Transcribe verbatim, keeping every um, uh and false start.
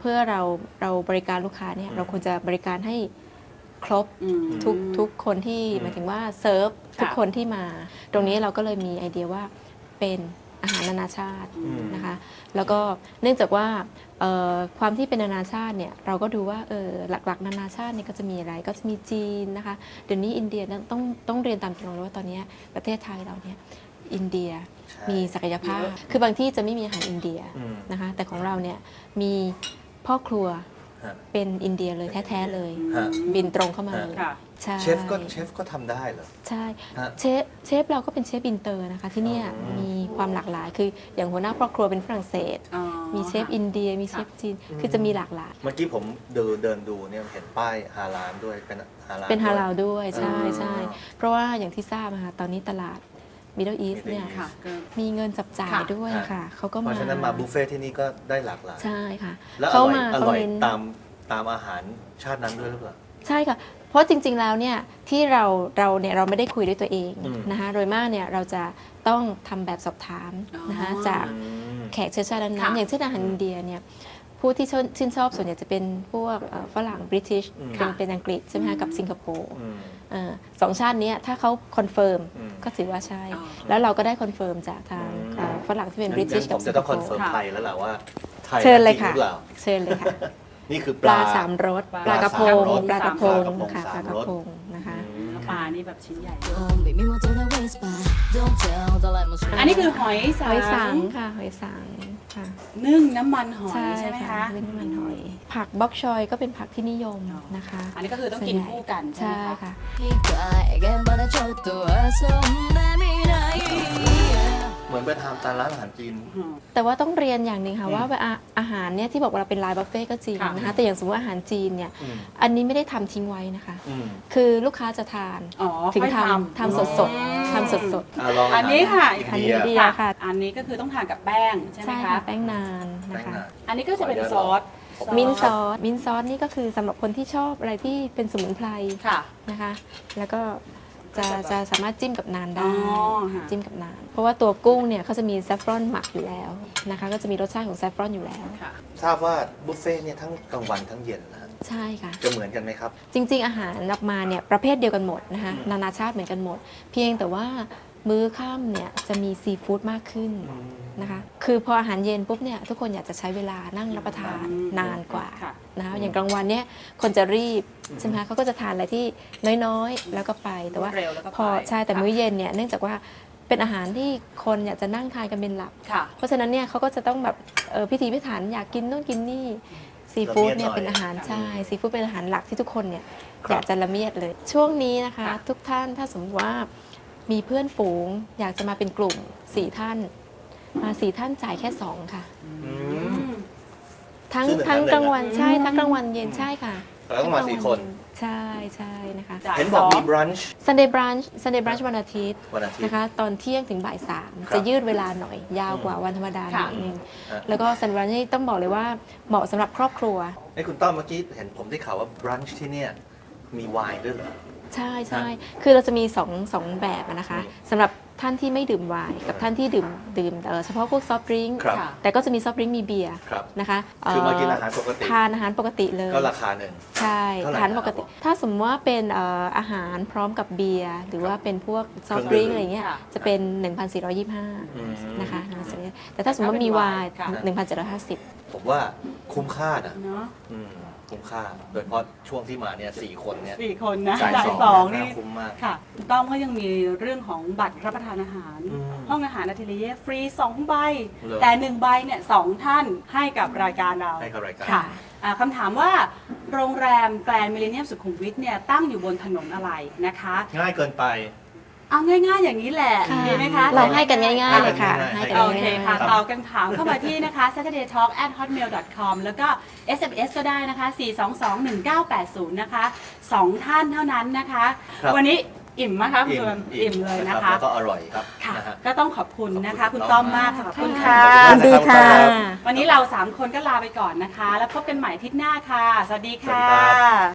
พื่อเราเราบริการลูกค้าเนี่ยเราควรจะบริการให้ครบทุกทุกคนที่หมายถึงว่าเซิร์ฟทุกคนที่มาตรงนี้เราก็เลยมีไอเดียว่าเป็นอาหารนานาชาตินะคะแล้วก็เนื่องจากว่าความที่เป็นนานาชาติเนี่ยเราก็ดูว่าเออหลักๆนานาชาติเนี่ยก็จะมีอะไรก็จะมีจีนนะคะเดี๋ยวนี้อินเดียต้องต้องเรียนตามตรงเลยว่าตอนนี้ประเทศไทยเราเนี่ยอินเดียมีศักยภาพคือบางที่จะไม่มีอาหารอินเดียนะคะแต่ของเราเนี่ยมีพ่อครัวเป็นอินเดียเลยแท้ๆเลยบินตรงเข้ามาเลยเชฟก็เชฟก็ทำได้เหรอใช่เชฟเชฟเราก็เป็นเชฟอินเตอร์นะคะที่นี่มีความหลากหลายคืออย่างหัวหน้าครอบครัวเป็นฝรั่งเศสมีเชฟอินเดียมีเชฟจีนคือจะมีหลากหลายเมื่อกี้ผมเดินเดินดูเนี่ยเห็นป้ายฮาลาลด้วยเป็นฮาลาลเป็นฮาลาลด้วยใช่ใช่เพราะว่าอย่างที่ทราบนะคะตอนนี้ตลาดMiddle East เนี่ยมีเงินจับจ่ายด้วยค่ะเขาก็มาเพราะฉะนั้นมาบุฟเฟ่ที่นี่ก็ได้หลากหลายใช่ค่ะแล้วอร่อยอร่อยตามตามอาหารชาตินั้นด้วยหรือเปล่าใช่ค่ะเพราะจริงๆแล้วเนี่ยที่เราเราเนี่ยเราไม่ได้คุยด้วยตัวเองนะคะโดยมากเนี่ยเราจะต้องทำแบบสอบถามนะคะจากแขกเชื้อชาตินั้นๆอย่างเช่นอาหารอินเดียเนี่ยผู้ที่ชื่นชอบส่วนใหญ่จะเป็นพวกฝรั่งบริติชเป็นเป็นอังกฤษใช่ไหมคะกับสิงคโปร์สองชาตินี้ถ้าเขาคอนเฟิร์มก็ถือว่าใช่แล้วเราก็ได้คอนเฟิร์มจากทางฝรั่งที่เป็นบริติชกับสิงคโปร์ผมจะต้องคอนเฟิร์มไทยแล้วแหละว่าไทยเชิญเลยค่ะเชิญเลยค่ะนี่คือปลาสามรสปลากระพงปลากระพงค่ะปลากระพงนะคะปลานี่แบบชิ้นใหญ่อันนี้คือหอยสังหอยสังค่ะหอยสังค่ะนึ่งน้ำมันหอยใช่ไหมคะนึ่งน้ำมันหอยผักบ็อกชอยก็เป็นผักที่นิยมนะคะอันนี้ก็คือต้องกินคู่กันใช่ไหมคะเหมือนไปทำตามร้านอาหารจีนแต่ว่าต้องเรียนอย่างหนึ่งค่ะว่าอาหารเนี่ยที่บอกว่าเราเป็นไลน์บุฟเฟ่ก็จริงนะคะแต่อย่างสมมติอาหารจีนเนี่ยอันนี้ไม่ได้ทำทิ้งไว้นะคะคือลูกค้าจะทานถึงทำทำสดสดทำสดสดอันนี้ค่ะอันนี้ดีค่ะอันนี้ก็คือต้องทานกับแป้งใช่ไหมคะแป้งนานนะคะอันนี้ก็จะเป็นซอสมินซอสมินซอสนี่ก็คือสำหรับคนที่ชอบอะไรที่เป็นสมุนไพรนะคะแล้วก็จะจะสามารถจิ้มกับนานได้จิ้มกับนานเพราะว่าตัวกุ้งเนี่ยเขาจะมีแซฟฟรอนหมักอยู่แล้วนะคะก็จะมีรสชาติของแซฟฟรอนอยู่แล้วทราบว่าบุฟเฟ่เนี่ยทั้งกลางวันทั้งเย็นนะใช่ค่ะจะเหมือนกันไหมครับจริงๆอาหารนับมาเนี่ยประเภทเดียวกันหมดนะคะนานาชาติเหมือนกันหมดเพียงแต่ว่ามื้อค่ำเนี่ยจะมีซีฟู้ดมากขึ้นนะคะคือพออาหารเย็นปุ๊บเนี่ยทุกคนอยากจะใช้เวลานั่งรับประทานนานกว่านะคะอย่างกลางวันเนี่ยคนจะรีบใช่ไหมคะเขาก็จะทานอะไรที่น้อยๆแล้วก็ไปแต่ว่าพอใช่แต่มื้อเย็นเนี่ยเนื่องจากว่าเป็นอาหารที่คนอยากจะนั่งทานกันเป็นหลักเพราะฉะนั้นเนี่ยเขาก็จะต้องแบบพิถีพิถันอยากกินนู่นกินนี่ซีฟู้ดเนี่ยเป็นอาหารใช่ซีฟู้ดเป็นอาหารหลักที่ทุกคนเนี่ยอยากจะละเมียดเลยช่วงนี้นะคะทุกท่านถ้าสมมติว่ามีเพื่อนฝูงอยากจะมาเป็นกลุ่มสี่ท่านมาสี่ท่านจ่ายแค่สองค่ะทั้งทั้งกลางวันใช่ทั้งกลางวันเย็นใช่ค่ะแล้วก็มาสี่คนใช่ใช่นะคะเห็นบอกมีบรันช์ Sunday brunch Sunday brunch วันอาทิตย์นะคะตอนเที่ยงถึงบ่ายสามจะยืดเวลาหน่อยยาวกว่าวันธรรมดาหน่อยนึงแล้วก็ Sunday brunch นี่ต้องบอกเลยว่าเหมาะสำหรับครอบครัวไอ้คุณต้อมเมื่อกี้เห็นผมได้ข่าวว่าบรันช์ที่เนี่ยมีไวน์ด้วยเหรอใช่ใช่คือเราจะมีสองสองแบบนะคะสำหรับท่านที่ไม่ดื่มไวน์กับท่านที่ดื่มดื่มเฉพาะพวกซอฟต์ดริงก์แต่ก็จะมีซอฟต์ดริงก์มีเบียร์นะคะคือมากินอาหารปกติทานอาหารปกติเลยก็ราคาหนึ่งใช่ทานปกติถ้าสมมติว่าเป็นอาหารพร้อมกับเบียร์หรือว่าเป็นพวกซอฟต์ดริงก์อะไรเงี้ยจะเป็น หนึ่งพันสี่ร้อยยี่สิบห้า นะคะแต่ถ้าสมมติว่ามีไวน์ หนึ่งพันเจ็ดร้อยห้าสิบผมว่าคุ้มค่านะคุ้มค่าโดยเฉพาะช่วงที่มาเนี่ยสี่คนเนี่ยสี่คนนะจ่ายสองนี่คุ้มมากค่ะต้อมเขายังมีเรื่องของบัตรรับประทานอาหาร ห้องอาหารอาทิเลียฟรีสองใบแต่หนึ่งใบเนี่ยสองท่านให้กับรายการเราให้กับรายการค่ะคำถามว่าโรงแรมแกรนด์มิลเลนเนียมสุขุมวิทเนี่ยตั้งอยู่บนถนนอะไรนะคะง่ายเกินไปเอาง่ายๆอย่างนี้แหละดีไหมคะเราให้กันง่ายๆเลยค่ะโอเคค่ะตอบกันถามเข้ามาที่นะคะ saturday talk at hotmail dot com แล้วก็ เอส เอ็ม เอส ก็ได้นะคะสี่ สอง สอง หนึ่ง เก้า แปด ศูนย์นะคะสองท่านเท่านั้นนะคะวันนี้อิ่มมากครับคุณอิ่มเลยนะคะแล้วก็อร่อยครับค่ะก็ต้องขอบคุณนะคะคุณต้อมมากขอบคุณค่ะสวัสดีค่ะวันนี้เราสามคนก็ลาไปก่อนนะคะแล้วพบกันใหม่อาทิตย์หน้าค่ะสวัสดีค่ะ